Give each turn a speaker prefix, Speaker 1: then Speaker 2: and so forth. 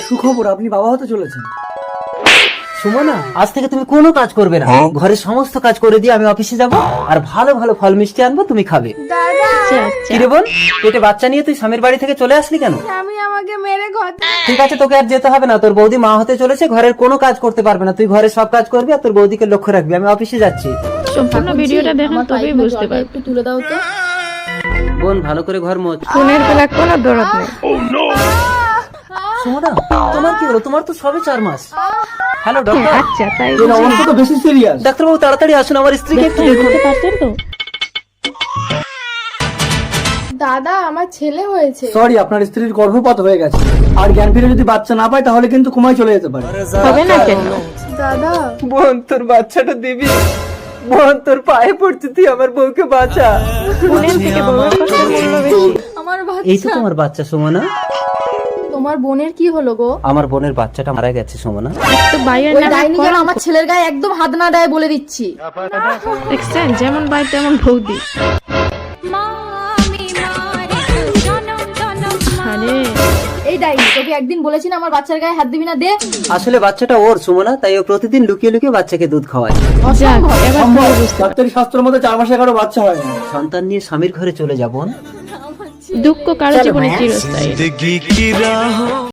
Speaker 1: সুখবর, আপনি বাবা হতে চলেছেন।
Speaker 2: সুমনা, আজ থেকে তুমি কোনো কাজ করবে না, ঘরের সমস্ত কাজ করে দিয়ে আমি অফিসে যাব আর ভালো ভালো ফল মিষ্টি আনবো, তুমি খাবে। কিরে বোন, পেটে বাচ্চা নিয়ে তুই স্বামীর বাড়ি থেকে চলে আসলি কেন?
Speaker 3: আমি আমাকে মেরে ঘর
Speaker 2: ঠিক আছে, তোকে আর যেতে হবে না, তোর বৌদি মা হতে চলেছে, ঘরের কোনো কাজ করতে পারবে না, তুই ঘরে সব কাজ করবি আর তোর বৌদিকে লক্ষ্য রাখবি। আমি অফিসে যাচ্ছি।
Speaker 4: সম্পূর্ণ ভিডিওটা দেখেন তবেই বুঝতে পারবেন।
Speaker 3: একটু তুলে দাও তো।
Speaker 2: বোন, ভালো করে ঘর মোছ।
Speaker 4: ফোনের বেলা কোনো দরদ নেই।
Speaker 2: সুমনা, তোমার কি হলো? তোমার তো সবে 4 মাস। Hello doctor.
Speaker 4: আচ্ছা, তাই
Speaker 1: এর অবস্থা তো বেশি সিরিয়াস।
Speaker 2: ডাক্তারবাবু তাড়াতাড়ি আসুন, আমার স্ত্রীকে একটু দেখুন।
Speaker 4: বুঝতে পারছেন তো?
Speaker 3: দাদা, আমার ছেলে হয়েছে।
Speaker 1: সরি, আপনার স্ত্রীর গর্ভপাত হয়ে গেছে, আর জ্ঞান ফিরে যদি বাচ্চা না পায় তাহলে কিন্তু কোমায় চলে যেতে পারে।
Speaker 4: হবে না কেন?
Speaker 3: দাদা,
Speaker 2: বোন, তোর বাচ্চাটা দিবি। বোন, তোর পায়ে পড়ছি, তুই আমার বউকে বাঁচা।
Speaker 4: ফোনের থেকে বউয়ের কষ্টের মূল্য বেশি।
Speaker 3: আমার
Speaker 2: এই তো
Speaker 3: বাচ্চা।
Speaker 2: তোমার বাচ্চা সুমনা।
Speaker 3: তোমার বোনের কি হলো গো?
Speaker 2: আমার বোনের বাচ্চাটা মারা গেছে সুমনা।
Speaker 4: তো বাইরের
Speaker 3: ওই
Speaker 4: নামে
Speaker 3: ডাইনি যেন আমার ছেলের গায়ে একদম হাত না দেয় বলে দিচ্ছি।
Speaker 4: দেখছেন, যেমন ভাই তেমন বৌদি। আরে
Speaker 3: এই ডাইনি, তোকে একদিন বলেছি না আমার বাচ্চার গায়ে হাত দিবি না, দে।
Speaker 2: আসলে বাচ্চাটা ওর সুমনা, তাই ও প্রতিদিন লুকিয়ে লুকিয়ে বাচ্চাকে দুধ খাওয়ায়।
Speaker 4: যাক, এবার
Speaker 1: সম্ভব, ডাক্তারি শাস্ত্রের মধ্যে 4 মাসে কারো বাচ্চা হয় না।
Speaker 2: সন্তান নিয়ে স্বামীর ঘরে চলে যাব।
Speaker 4: দুঃখ কারো জীবনে চিরস্থায়ী।